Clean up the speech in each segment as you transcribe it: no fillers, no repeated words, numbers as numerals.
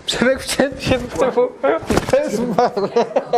Przemek wszedł się do temu. To jest marne.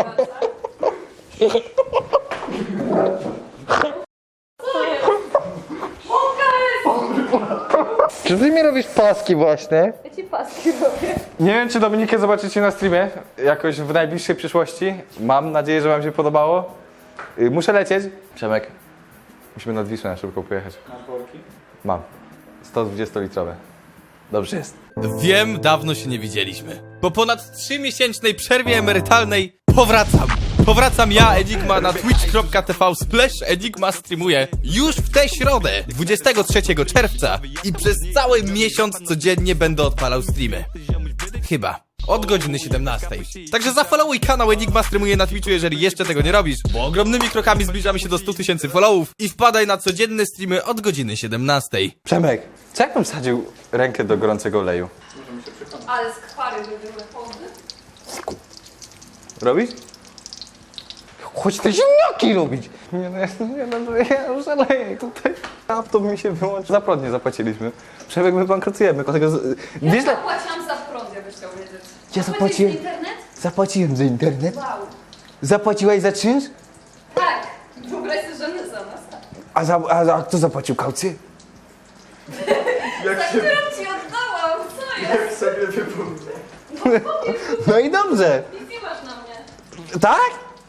Czy ty mi robisz paski właśnie? Ja ci paski robię. Nie wiem, czy Dominikę zobaczycie na streamie jakoś w najbliższej przyszłości. Mam nadzieję, że wam się podobało. Muszę lecieć. Przemek, musimy nad Wisłę na szybko pojechać. Masz worki? Mam. 120-litrowe. Dobrze jest. Wiem, dawno się nie widzieliśmy. Po ponad 3-miesięcznej przerwie emerytalnej powracam. Powracam ja, Enigma, na twitch.tv/Enigma streamuję już w tę środę, 23 czerwca i przez cały miesiąc codziennie będę odpalał streamy. Chyba. Od godziny 17. Także zafollowuj kanał Enigma streamuje na Twitchu, jeżeli jeszcze tego nie robisz, bo ogromnymi krokami zbliżamy się do 100 000 followów i wpadaj na codzienne streamy od godziny 17. Przemek, co jakbym wsadził rękę do gorącego oleju? Ale skwary by były chody. Robisz? Chodź te ziemniaki robić! Nie no, ja szaleję tutaj. Laptop mi się wyłączył. Za prąd nie zapłaciliśmy. Przemek, my bankrutujemy. Ja Wiesz, zapłaciłam za prąd, jakbyś chciał wiedzieć. Ja Zapłaciłeś zapłaciłem. za internet? Zapłaciłem za internet. Wow. Zapłaciłaś za czynsz? Tak. Wyobraź sobie, że my za nas. A kto zapłacił kaucję? Za którą ci oddałam. Co jest? Jak sobie wypomnę. No i dobrze. Nic nie masz na mnie. Tak?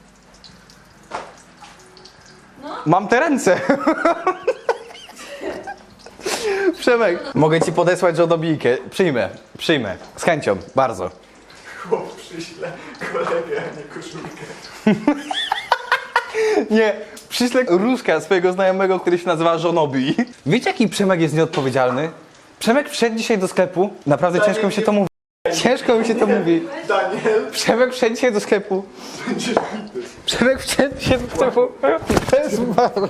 No. Mam te ręce. Przemek, mogę ci podesłać żonobijkę. Przyjmę. Z chęcią, bardzo. Chłop przyśle kolegę, a nie koszulkę. Nie, przyślę różka swojego znajomego, który się nazywa Żonobi. Wiecie, jaki Przemek jest nieodpowiedzialny? Przemek wszedł dzisiaj do sklepu. Naprawdę ciężko mi się to mówi. Ciężko mi się to mówi. Daniel, Przemek wszedł dzisiaj do sklepu. będziesz bity. Przemek wszedł dzisiaj do sklepu. To jest marne.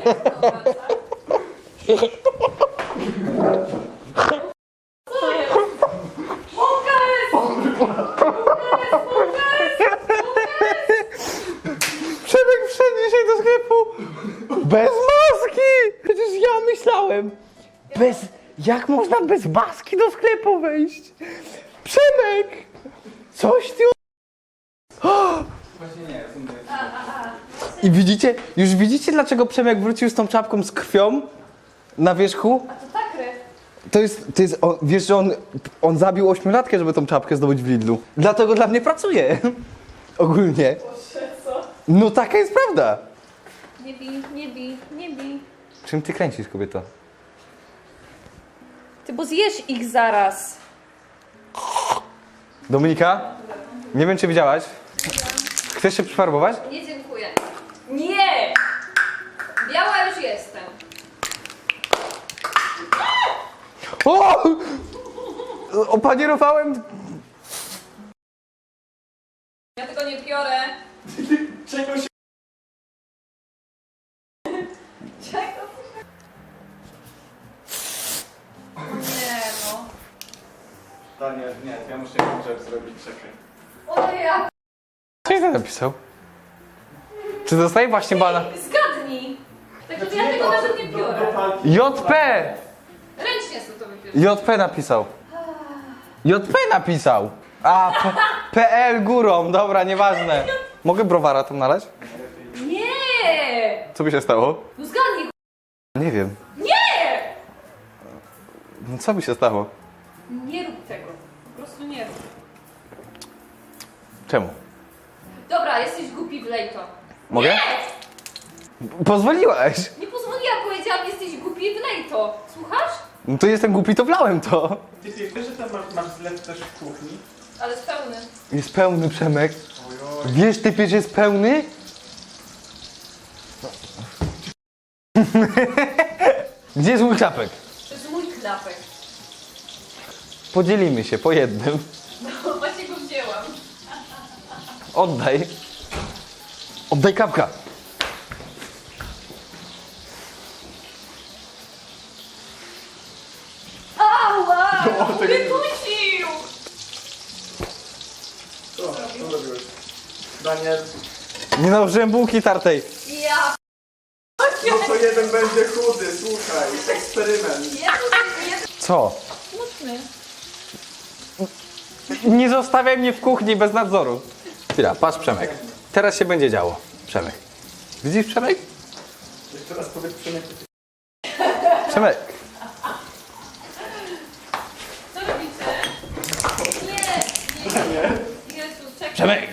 Przemek wszedł dzisiaj do sklepu. Bez maski! Przecież ja myślałem. Jak można bez maski do sklepu wejść? Przemek! Coś ty... Właśnie nie, I widzicie, już widzicie, dlaczego Przemek wrócił z tą czapką z krwią na wierzchu? A to tak, ry. To jest wiesz, że on zabił 8-latkę, żeby tą czapkę zdobyć w Lidlu. Dlatego dla mnie pracuje. Ogólnie. Co? No taka jest prawda. Nie bij, nie bij, nie bij. Czym ty kręcisz, kobieto? Ty, bo zjesz ich zaraz. Dominika? Nie wiem, czy widziałaś. Chcesz się przyfarbować? Nie, dziękuję. Nie! Biała już jestem. O! Opanierowałem. Ja tego nie biorę. czego się... Czego? Nie no. Daniel, nie, ja muszę jedną rzecz zrobić, czekaj. O ja. Co ty napisał? Czy dostaje właśnie bana? Zgadnij. Także ja tego nawet nie biorę. JP! Ręcznie sobie to wybierz. JP napisał. JP napisał. A, PL górą, dobra, nieważne. Mogę browara tam nalać? Nie! Co by się stało? No zgadnij. Nie wiem. Nie! No co by się stało? Nie rób tego. Po prostu nie rób. Czemu? Dobra, jesteś głupi, wlej to. Mogę? Nie! Pozwoliłaś. Nie pozwoliłam, powiedziałam, jesteś głupi, wlej to. Słuchasz? No to jestem głupi, to wlałem to. Ty wiesz, że tam masz zlew też w kuchni? Ale spełny. Jest pełny, Przemek. Ojoj. Wiesz, typie, że jest pełny? Gdzie jest mój klapek? To jest mój klapek. Podzielimy się po jednym. No właśnie go wzięłam. Oddaj. Oddaj klapka. Ała! No, tego nie- Wypuścił! Co zrobiłeś? Daniel, Nie nałożyłem bułki tartej. Ja... no to jeden będzie chudy, słuchaj, eksperyment. Ja tu jest Co? smutny. Nie zostawiaj mnie w kuchni bez nadzoru. Chwila, patrz Przemek. Teraz się będzie działo. Przemek. Widzisz Przemek? Jeszcze raz powiedz Przemek. Przemek. Co robicie? Nie. Jezu, czekaj. Przemek.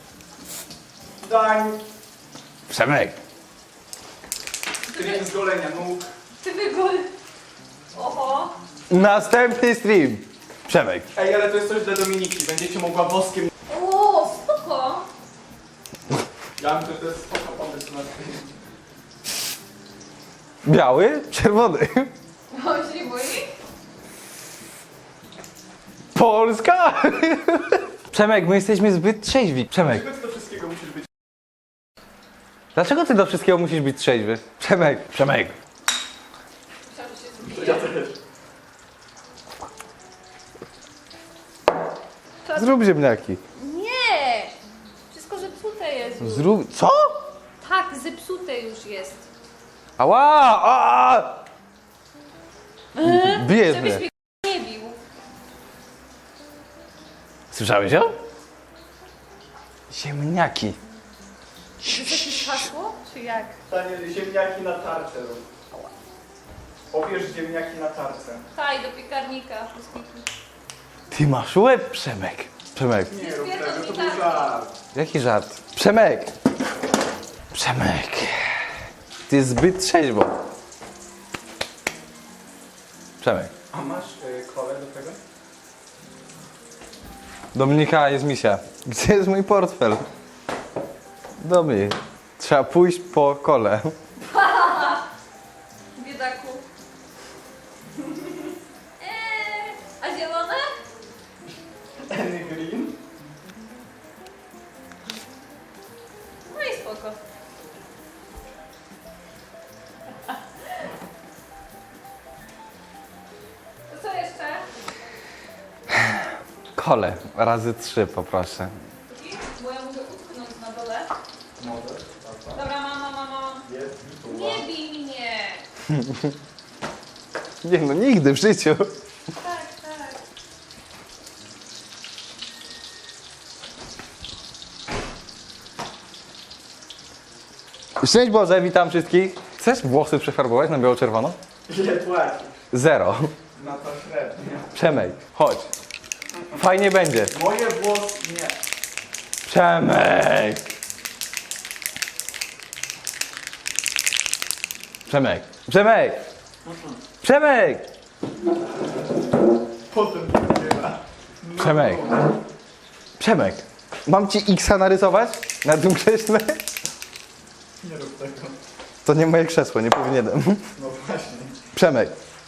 Dań. Przemek. Stream z golenia nóg. Ty wygol. Oho. Następny stream. Przemek. Ej, ale to jest coś dla Dominiki. Będziecie mogła woskiem... O, spoko. Ja myślę, że to jest spoko pomysł na stream. Biały, czerwony. On się nie boi? Polska. Przemek, my jesteśmy zbyt trzeźwi. Przemek. Dlaczego ty do wszystkiego musisz być... Dlaczego ty do wszystkiego musisz być trzeźwy? Przemek. Przemek. Myślałam, że się Ja też. Zrób ziemniaki. Nie! Wszystko zepsute jest już. Zrób... Co? Tak, zepsute już jest. Ała! A! Bijesz Żebyś mnie. mnie nie bił. Słyszałeś ją? Ziemniaki. To jest jakieś hasło? Czy jak? Stanie ziemniaki na tarczę rób. Obierz ziemniaki na tarczę. Taj, do piekarnika. Wszystkich. Ty masz łeb, Przemek. Przemek. Nie rób Stwierdzam tego, to mi był tak. żart. Jaki żart? Przemek. Przemek. Ty jest zbyt trzeźwo. Przemek. A masz kolę do tego? Dominika, jest misia. Gdzie jest mój portfel? Dominik. Trzeba pójść po kole. Biedaku. A zielone? Any green? No i spoko. To co jeszcze? Kole. Razy 3 poproszę. Bo ja mogę utknąć na dole. Możesz. Dobra, mam. Jest. Nie bij mnie. Nie no, nigdy w życiu. Tak. Szczęść Boże, witam wszystkich. Chcesz włosy przefarbować na biało-czerwono? Ile płacisz? 0. Na to średnie. Przemek, chodź. Fajnie będzie. Moje włosy nie. Przemek! Przemek! Przemek! Przemek! Potem nie ma. Przemek! Przemek! Mam ci X-a narysować na tym krześle? Nie rób tego. To nie moje krzesło, nie powinienem. No właśnie. Przemek!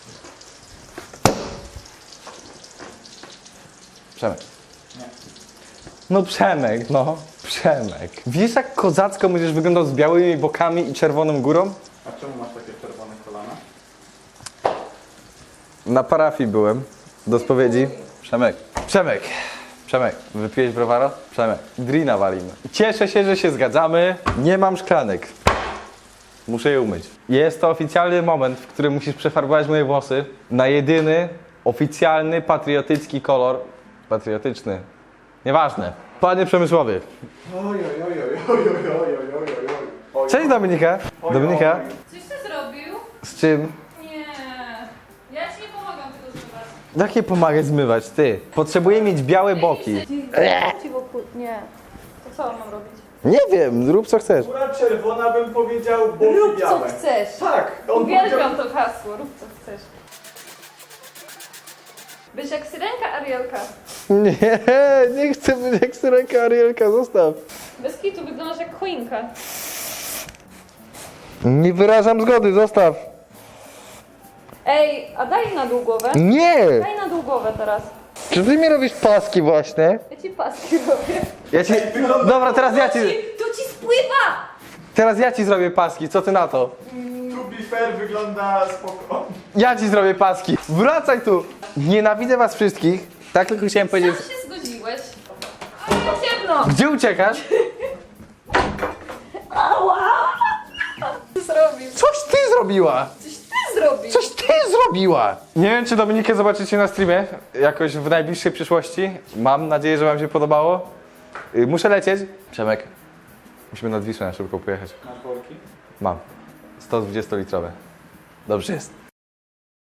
Przemek! Nie. No Przemek, no. Przemek. Wiesz jak kozacko będziesz wyglądał z białymi bokami i czerwoną górą? A czemu masz takie czerwone kolana? Na parafii byłem. Do spowiedzi. Przemek. Przemek. Przemek. Wypiłeś browara? Przemek. Drina walimy. Cieszę się, że się zgadzamy. Nie mam szklanek. Muszę je umyć. Jest to oficjalny moment, w którym musisz przefarbować moje włosy na jedyny, oficjalny, patriotycki kolor. Patriotyczny. Nieważne. Panie Przemysłowie. Oj. Cześć Dominika. Dominika. Coś ty zrobił? Z czym? Nie. Ja ci nie pomagam tego zmywać. Jak je pomagać zmywać? Ty. Potrzebuję mieć białe boki. Ci wokół. Nie. To co mam robić? Nie wiem, rób co chcesz. Góra czerwona bym powiedział, boki Rób co białe. chcesz. Tak, on powiedział... Uwielbiam to hasło. Rób co chcesz. Być jak syrenka Arielka. Nie, nie chcę być jak syrenka Arielka, zostaw. Bez kitu wyglądasz jak choinka. Nie wyrażam zgody, zostaw. Ej, a daj na dół głowę. Nie! Daj na dół głowę teraz. Czy ty mi robisz paski właśnie? Ja ci paski robię. Ja ci... Dobra, teraz Tu ci spływa! Teraz ja ci zrobię paski, co ty na to? To be fair wygląda spoko. Ja ci zrobię paski. Wracaj tu. Nienawidzę was wszystkich. Tak tylko chciałem powiedzieć. Sam się zgodziłeś. Ale ciemno! Gdzie uciekasz? Ała! Co zrobił? Coś ty zrobiła. Coś ty zrobił. Coś ty zrobiła! Nie wiem, czy Dominikę zobaczycie na streamie jakoś w najbliższej przyszłości. Mam nadzieję, że wam się podobało. Muszę lecieć. Przemek, musimy nad Wisłę na szybko pojechać. Masz worki? Mam. 120-litrowe. Dobrze jest.